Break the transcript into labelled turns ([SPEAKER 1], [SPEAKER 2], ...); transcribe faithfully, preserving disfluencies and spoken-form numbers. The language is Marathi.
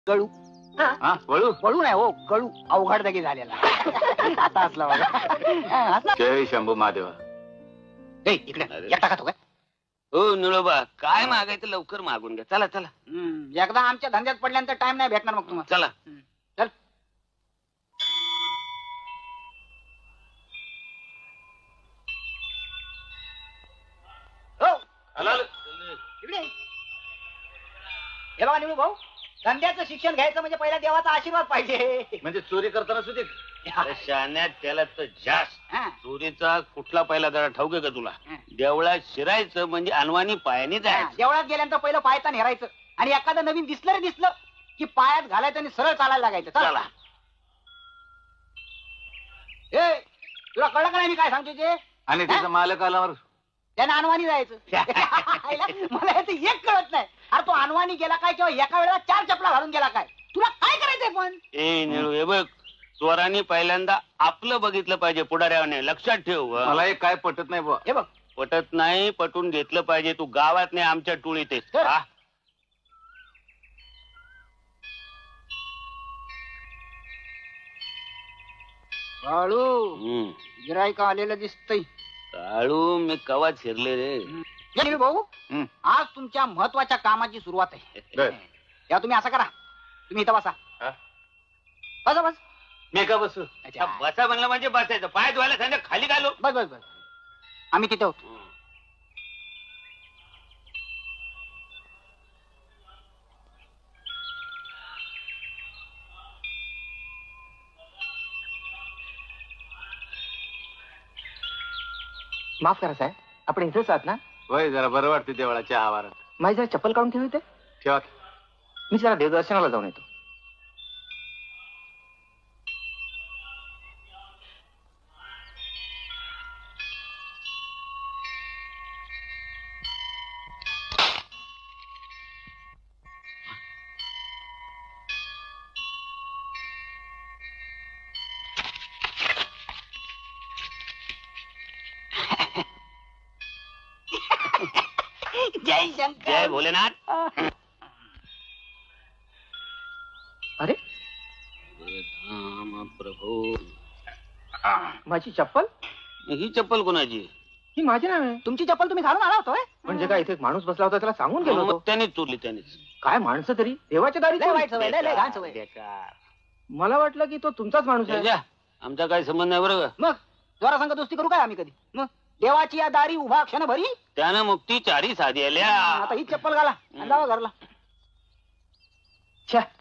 [SPEAKER 1] कळू
[SPEAKER 2] हा वळू
[SPEAKER 1] वळू नाही हो कळू अवघड जागी झालेला आता असला बघा.
[SPEAKER 2] जय शंभू महादेवा.
[SPEAKER 1] ए, इकडे एकटा खातो काय?
[SPEAKER 3] हो निळोबा काय मागायचं लवकर मागून घ्या. चला चला
[SPEAKER 1] हम्म, एकदा आमच्या धंद्यात पडल्यानंतर टाइम नाही भेटणार मग तुम्हाला.
[SPEAKER 3] चला.
[SPEAKER 1] चल. हो इकडे हे बघा निळू भाऊ, धंद्याचं शिक्षण घ्यायचं म्हणजे पहिला देवाचा आशीर्वाद पाहिजे.
[SPEAKER 2] म्हणजे चोरी करताना सुद्धा
[SPEAKER 3] अरे शाण्यात त्याला तर जास्त
[SPEAKER 1] हा.
[SPEAKER 3] चोरीचा कुठला पहिला जरा ठाऊक आहे का तुला? देवळात शिरायचं म्हणजे अनवाणी पायाने
[SPEAKER 1] हा,
[SPEAKER 3] जायचं.
[SPEAKER 1] देवळात गेल्यानंतर पहिलं पायता नेरायचं आणि एखादं नवीन दिसलं रे दिसलं की पायात घालायचं आणि सरळ चालायला लागायचं. चला. ए तुला कळलं का नाही मी काय सांगतो ते?
[SPEAKER 2] आणि त्याचा मालक आल्यावर
[SPEAKER 1] त्याने अनवाणी जायचं. मला याचं एक कळत नाही. अरे तो अनवाणी गेला काय किंवा एका वेळेला चार चपला घालून गेला काय? तुला काय करायचंय पण?
[SPEAKER 3] ए निळू हे बघ, चोरांनी पहिल्यांदा आपलं बघितलं पाहिजे पुढाऱ्याने. लक्षात ठेव. हं.
[SPEAKER 2] मला एक काय पटत नाही बुवा.
[SPEAKER 1] हे बघ
[SPEAKER 3] पटत नाही, पटून घेतलं पाहिजे. तू गावात नाही आमच्या टोळीत आहेस.
[SPEAKER 1] तर.
[SPEAKER 3] हा?
[SPEAKER 1] बाळू
[SPEAKER 3] हम्म.
[SPEAKER 1] गिरायका आलेलं दिसतंय.
[SPEAKER 3] काळू मी कवा शिरले रे.
[SPEAKER 1] हे निळू भाऊ,
[SPEAKER 2] हं.
[SPEAKER 1] आज तुमच्या महत्वाच्या कामाची सुरुवात आहे.
[SPEAKER 2] बर.
[SPEAKER 1] या तुम्ही असं करा, तुम्ही इथं बसा.
[SPEAKER 2] हा?
[SPEAKER 1] बसा बस.
[SPEAKER 2] मी का बसू?
[SPEAKER 1] अच्छा.
[SPEAKER 3] बसा म्हणलं म्हणजे बसायचं. पाय धुवायला सांगा खाली घालू.
[SPEAKER 1] बस बस बस आम्ही तिथे होतो.
[SPEAKER 4] माफ करा साहेब, आपण इथेच आहात ना?
[SPEAKER 2] होय, जरा बरं वाटते देवळाच्या आवारात.
[SPEAKER 4] माझी जरा चप्पल काढून ठेवते.
[SPEAKER 2] ठेवा.
[SPEAKER 4] मी जरा देवदर्शनाला जाऊन येतो.
[SPEAKER 1] जय शंकर.
[SPEAKER 3] जय भोलेनाथ.
[SPEAKER 4] अरे
[SPEAKER 3] राम प्रभू.
[SPEAKER 4] माझी चप्पल?
[SPEAKER 3] ही चप्पल कोणाची?
[SPEAKER 4] ही माझी नाही.
[SPEAKER 1] तुमची चप्पल तुम्ही घालून आला होता होय?
[SPEAKER 4] म्हणजे काय, इथे एक माणूस बसला होता, त्याला सांगून गेलो
[SPEAKER 3] मग
[SPEAKER 4] होतो.
[SPEAKER 3] त्यानेच चोरली त्यानेच.
[SPEAKER 4] काय माणसं तरी देवाच्या दारी
[SPEAKER 1] लय
[SPEAKER 4] चोरी?
[SPEAKER 1] वाईट सवय, लय लय घाण सवय.
[SPEAKER 3] बेकार.
[SPEAKER 4] मला वाटलं की तो तुमचाच माणूस आहे.
[SPEAKER 3] जा, आमचा काही संबंध नाही बरं का.
[SPEAKER 1] मग जोरा संघ दोस्ती करू काय आम्ही कधी? मग देवाची या दारी उभा क्षण भरी.
[SPEAKER 3] त्यानं मुक्ती चारी साधी आल्या.
[SPEAKER 1] आता ही चप्पल घाला आणि जावा घरला.
[SPEAKER 4] छ्या,